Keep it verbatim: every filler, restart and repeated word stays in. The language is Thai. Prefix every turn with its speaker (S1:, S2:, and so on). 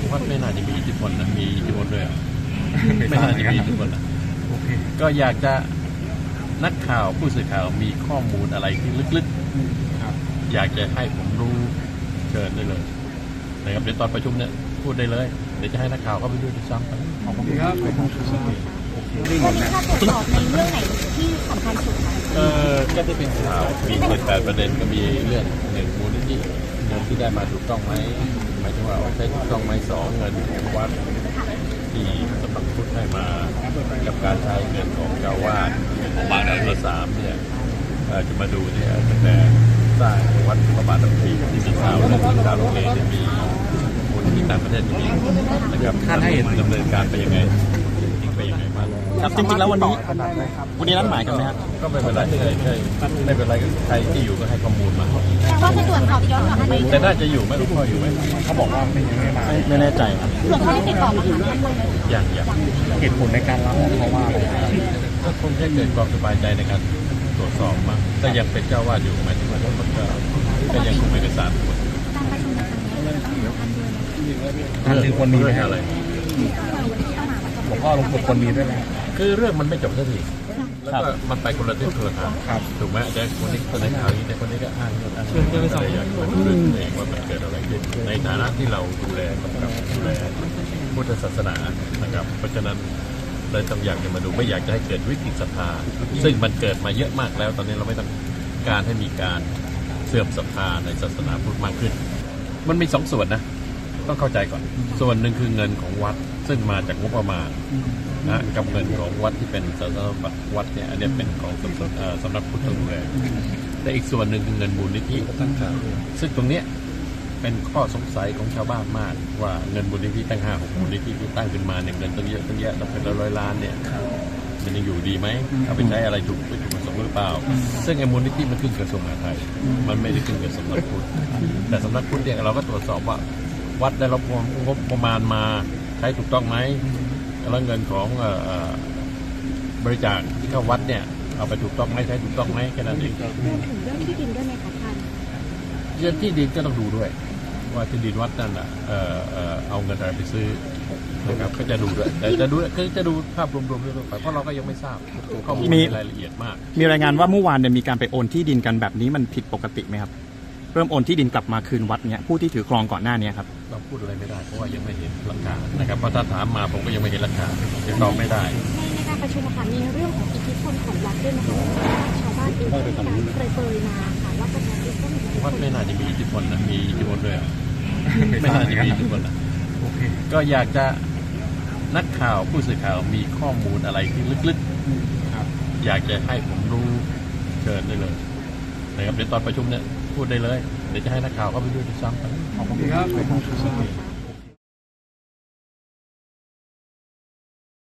S1: วัดไม่น่าจะมีอิทธิพลนะมีอิทธิพลด้วยไม่น่าจะมีอิทธิพลนะก็อยากจะนักข่าวผู้สื่อข่าวมีข้อมูลอะไรที่ลึกๆอยากจะให้ผมรู้เชิญได้เลยนะครับเดี๋ยวตอนประชุมเนี่ยพูดได้เลยเดี๋ยวจะให้นักข่าวเข้าไปด้วยที่ซ้ำไป
S2: ขอบคุณครับ
S3: วันนี้ถ้าตรวจสอบในเรื่องไหนที่สำคัญสุดคะ
S1: เออก็จะเป็นข่าวมีเจ็ดแปดประเด็นก็มีเรื่องหนึ่งมูลนิธิเงินที่ได้มาถูกต้องไหมหมายถึงว่าใช้ถูกต้องไหมสองเงินของวัดที่สำนักพุทธให้มากับการใช้เงินของเจ้าวาดของบางแดนสามเนี่ยจะมาดูเนี่ยตั้งแต่สร้างวัดประมาณตั้งปีที่มีข่าวเรื่องที่ดาวโรงเรียนจะมีมูลนิธิต่างประเทศอย่างนี้นะครับท่านให้ดำเนินการไปยังไงไปยังไงบ้าง
S2: ครับจริงๆแล้ววันนี้วันนี้นัดหมายกันไหมครับ
S1: ก็ไม่เป็นไรใช่ใช่ไม่เป็นไรใครที่อยู่ก็ให้ข้อมูลมา
S3: แต่ว่าจะตรวจสอบย้อนกลับไป
S1: แต่น่าจะอยู่ไม่รู้พ่ออยู่ไหม
S2: เขาบอกว่าไม่ไม่มาไม่แน่ใจครับ
S3: ส่วนเขาได้ติดต่อมา
S1: อย่างอย่าง
S2: เหตุผลในการรับเพราะว่าอะไร
S1: ก็คงจะเกิดความสบายใจในการตรวจสอบมาแต่ยังเป็นเจ้าวาดอยู่หมายถึงว่ามันก็ก็ยังคงเอกสารหมด
S3: การประชุมในครั้งนี้ต้องมีการด้วย
S2: ท่านถือคนมี
S1: อะไร
S2: หลวงพ่อหลวงปู่คนมีด้วยไหม
S1: คือเรื่องมันไม่จบสักทีแล้วก็มันไปคนละทิศคนละทางถูกไหมแต่คนนี้คนในข่าวนี้แต่คนนี้ก็อ้างเรื่องอ้างเรื่องอะไรอย่างเงี้ยมันเรื่องเองว่ามันเกิดอะไรขึ้นในฐานะที่เราดูแลกับดูแลพุทธศาสนานะครับเพราะฉะนั้นเลยต้องอยากจะมาดูไม่อยากจะให้เกิดวิกฤตศรัทธาซึ่งมันเกิดมาเยอะมากแล้วตอนนี้เราไม่ต้องการให้มีการเสื่อมศรัทธาในศาสนาพุทธมากขึ้นมันมีสองส่วนนะต้องเข้าใจก่อนส่วนหนึ่งคือเงินของวัดซึ่งมาจากงบประมาณนะกับเงินของวัดที่เป็นสาธารณบัตรวัดเนี่ยอันนี้เป็นของสำนักสำนักพุทธดูแลแต่อีกส่วนหนึ่งคือเงินมูลนิธิซึ่งตรงเนี้ยเป็นข้อสงสัยของชาวบ้านมากว่าเงินมูลนิธิตั้งห้าหกมูลนิธิที่ตั้งขึ้นมาเนี่ยเงินตั้งเยอะตั้งแยะตั้งเป็นร้อยล้านเนี่ยมันยังอยู่ดีไหมเอาไปใช้อะไรถูกไม่ถูกประสงค์หรือเปล่าซึ่งไอ้มูลนิธิมันขึ้นกระทรวงมหาดไทยมันไม่ได้ขึ้นกับสำนักพุทธแต่สำนักพุทธเนี่ยเราก็ตรวจสอบว่าวัดได้รับงบประมาณมาใช้ถูกต้องไหมแล้วเงินของบริจาคที่เข้าวัดเนี่ยเอาไปถูกต้องไหมใช้ถูกต้องไหมแค่นั้นเอง
S3: รวมถึงเรื่องที่ดินด้วยไหมคะท่าน
S1: เรื่องที่ดินก็ต้องดูด้วยว่าที่ดินวัดนั่นอ่ะเอาเงินอะไรไปซื้อนะครับก็จะดูด้วยแต่จะดูคือจะดูภาพรวมๆด้วยไปเพราะเราก็ยังไม่ทราบข้อมูลรายละเอียดมาก
S2: มีรายงานว่าเมื่อวานเนี่ยมีการไปโอนที่ดินกันแบบนี้มันผิดปกติไหมครับเริ่มโอนที่ดินกลับมาคืนวัดเนี่ยผู้ที่ถือครองก่อนหน้านี้ครับ
S1: เราพูดอะไรไม่ได้เพราะว่ายังไม่เห็นหลักฐานนะครับเพราะถ้าถามมาผมก็ยังไม่เห็นหลักฐานยังตอบไม่ได้
S3: ในการประชุมค่ะมีเรื่องของอิทธิพลของวัดด้วยนะคะชาวบ้านเองมีการเปรยๆมาค่ะว่าประชาชนก็มี
S1: วัดไม่น่าจะมีอิทธิพลนะมีอิทธิพลด้วยไม่น่าจะมีอิทธิพลนะก็อยากจะนักข่าวผู้สื่อข่าวมีข้อมูลอะไรที่ลึกๆอยากจะให้ผมรู้เชิญได้เลยนะครับเดี๋ยวตอนประชุมเนี่ยพูดได้เลยเดี๋ยวจะให้นักข่าวเข้าไปด้วยที่ซ้ำไป
S2: ขอบคุณครับ